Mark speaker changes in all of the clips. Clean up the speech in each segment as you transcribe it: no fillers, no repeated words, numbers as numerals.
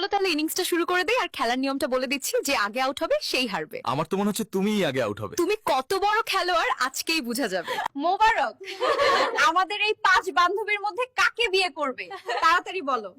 Speaker 1: তাহলে ইনিংসটা শুরু করে দেই আর খেলার নিয়মটা বলে দিচ্ছি, যে আগে আউট হবে সেই হারবে।
Speaker 2: আমার তো মনে হচ্ছে তুমিই আগে আউট হবে।
Speaker 1: তুমি কত বড় খেলোয়াড় আজকেই বোঝা যাবে।
Speaker 3: মোবারক, আমাদের এই 5 বান্ধবীর মধ্যে কাকে বিয়ে করবে তাড়াতাড়ি বলো।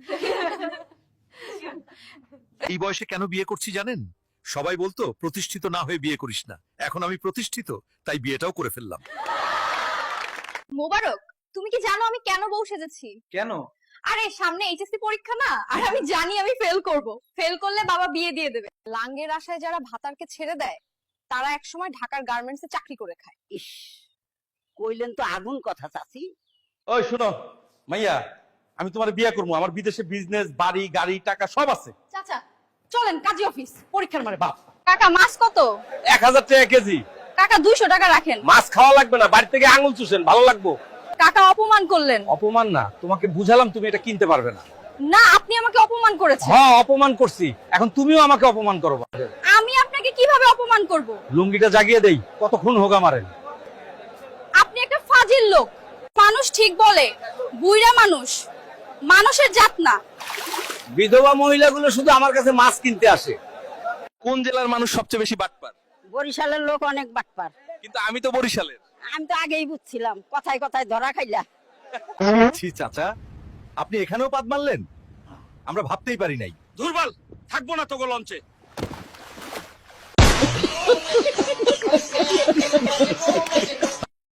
Speaker 4: এই বয়সে কেন বিয়ে করছি জানেন? সবাই বলতো প্রতিষ্ঠিত না হয়ে বিয়ে করিস না। এখন আমি প্রতিষ্ঠিত, তাই বিয়েটাও করে ফেললাম।
Speaker 3: মোবারক, তুমি কি জানো আমি কেন বউ সেজেছি?
Speaker 5: কেন?
Speaker 3: আরে সামনে এইচএসসি পরীক্ষা না, আর আমি জানি আমি ফেল করব। ফেল করলে বাবা বিয়ে দিয়ে দেবে। লাঙ্গের আশায় যারা ভাতারকে ছেড়ে দেয় তারা একসময় ঢাকার গার্মেন্টসে চাকরি করে খায়।
Speaker 6: ইস, কইলেন তো আগুন কথা চাচি।
Speaker 5: ওই শোনো মাইয়া, আমি তোমার বিয়ে করবো। আমার বিদেশে বিজনেস, বাড়ি, গাড়ি, টাকা সব আছে।
Speaker 3: চাচা চলেন কাজী অফিস।
Speaker 5: পরীক্ষার মানে বাপ।
Speaker 3: কাকা মাছ কত?
Speaker 5: 1000 টাকা কেজি।
Speaker 3: কাকা 200 টাকা রাখেন।
Speaker 5: মাছ খাওয়া লাগবে না, বাড়ি থেকে আঙুল চুষেন, ভালো লাগবো।
Speaker 3: কাকা অপমান করলেন।
Speaker 5: অপমান না, তোমাকে বুঝালাম তুমি এটা কিনতে পারবে না।
Speaker 3: না, আপনি আমাকে অপমান করেছেন।
Speaker 5: হ্যাঁ অপমান করছি, এখন তুমিও আমাকে অপমান করো।
Speaker 3: আমি আপনাকে কিভাবে অপমান করব?
Speaker 5: লুঙ্গিটা জাগিয়ে দেই, কতক্ষণ হোক আমারেন।
Speaker 3: আপনি একটা ফাজিল লোক। মানুষ ঠিক বলে, বুইড়া মানুষ মানুষের জাত না।
Speaker 5: বিধবা মহিলাগুলো শুধু আমার কাছে মাছ কিনতে আসে।
Speaker 2: কোন জেলার মানুষ সবচেয়ে বেশি বাটপার?
Speaker 6: বরিশালের লোক অনেক বাটপার।
Speaker 2: কিন্তু আমি তো বরিশালের।
Speaker 6: আমি তো আগেই বুঝছিলাম, কথায় কথায় ধরা খাইলা।
Speaker 4: ছি চাচা, আপনি এখানেও পাদ মারলেন? আমরা ভাবতেই পারি নাই।
Speaker 5: দুর্বল থাকবো না তোগো লঞ্চে।